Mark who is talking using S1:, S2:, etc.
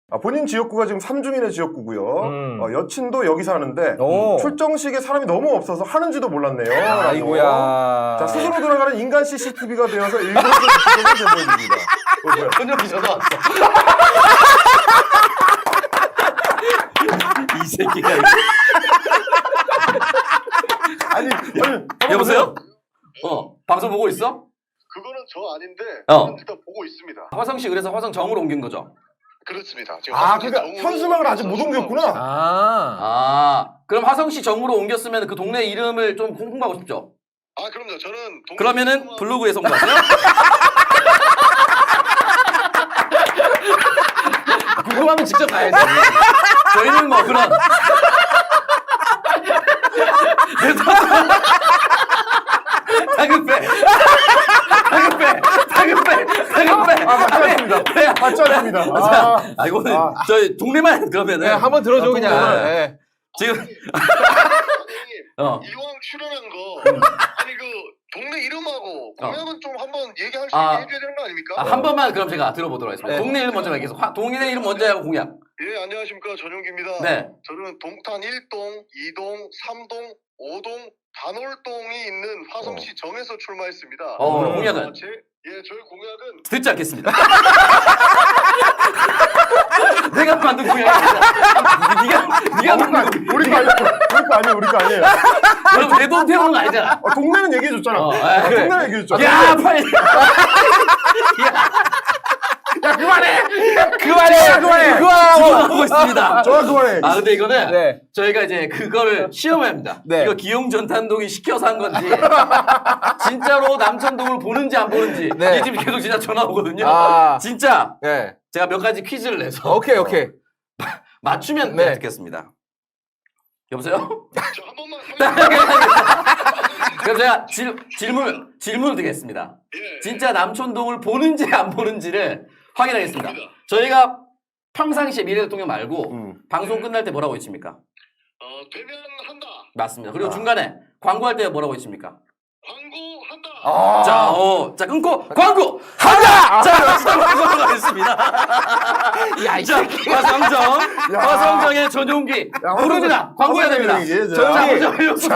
S1: 본인 지역구가 지금 삼중인의 지역구고요. 여친도 여기 사는데 출정식에 사람이 너무 없어서 하는지도 몰랐네요.
S2: 아이고야.
S1: 자, 스스로 돌아가는 인간 CCTV가 되어서 일본에서 지금은 제보해줍니다. 뭐야?
S3: 현역이 전화 왔어. 이 새끼가.
S1: 아니,
S3: 여보세요? 방송 보고 있어?
S4: 그거는 저 아닌데 저는 일단 보고 있습니다.
S3: 화성 씨 그래서 화성 정으로 옮긴 거죠?
S4: 그렇습니다. 지금
S1: 그러니까 현수막을 아직 못 옮겼구나.
S3: 그럼 화성 씨 정으로 옮겼으면 그 동네 이름을 좀 홍보하고 싶죠?
S4: 그럼요. 저는
S3: 그러면은 블로그에서 홍보하세요? 궁금하면 직접 가야지. 저희는 뭐 그런 다급해.
S1: 맞지 않습니다.
S3: 이거는 저희 동네만 그러면은
S2: 한번 들어줘 그냥. 네.
S3: 지금
S4: 이왕 출연한 거 아니 그 동네 이름하고 공약은 좀 한번 얘기할 수 있게 해줘야 되는 거 아닙니까?
S3: 한 번만 그럼 제가 들어보도록 하겠습니다.
S2: 네.
S3: 동네 이름 먼저 얘기해서 동네 이름 먼저 하고 공약.
S4: 예, 안녕하십니까. 전용기입니다.
S3: 네.
S4: 저는 동탄 1동, 2동, 3동, 5동, 반월동이 있는 화성시 정에서 출마했습니다.
S3: 공약은?
S4: 저희 공약은
S3: 듣지 않겠습니다. 내가 만든 공약입니다. 네가 만든 거.
S1: 우리 거 아니에요.
S3: 그럼 내 돈 태우는 거 아니잖아.
S1: 동네는 얘기해줬잖아.
S3: 그래.
S1: 동네는 얘기해줬잖아.
S3: 야, 빨리.
S1: 야, 그만해!
S3: 하고 있습니다.
S1: 좋아, 그만해.
S3: 근데 이거는
S2: 네.
S3: 저희가 이제 그거를 시험을 합니다.
S2: 네.
S3: 이거 기용전탄동이 시켜서 한 건지 진짜로 남천동을 보는지 안 보는지
S2: 네.
S3: 이 집 계속 진짜 전화 오거든요. 진짜
S2: 네.
S3: 제가 몇 가지 퀴즈를 내서
S2: 오케이.
S3: 맞추면
S2: 네.
S3: 듣겠습니다. 여보세요?
S4: 저 한 번만
S3: 그럼 제가 질문을 드리겠습니다.
S4: 예.
S3: 진짜 남천동을 보는지 안 보는지를 확인하겠습니다. 저희가 평상시에 미래 대통령 말고 방송 끝날 때 뭐라고 외칩니까?
S4: 되면 한다.
S3: 맞습니다. 그리고 중간에 광고할 때 뭐라고 외칩니까?
S4: 광고한다.
S3: 자 끊고 광고 한다. 자, 광고로 가겠습니다. 자, 화성정의 전용기 모릅니다. 광고해야 됩니다.
S1: 얘기해,
S3: 자, 먼저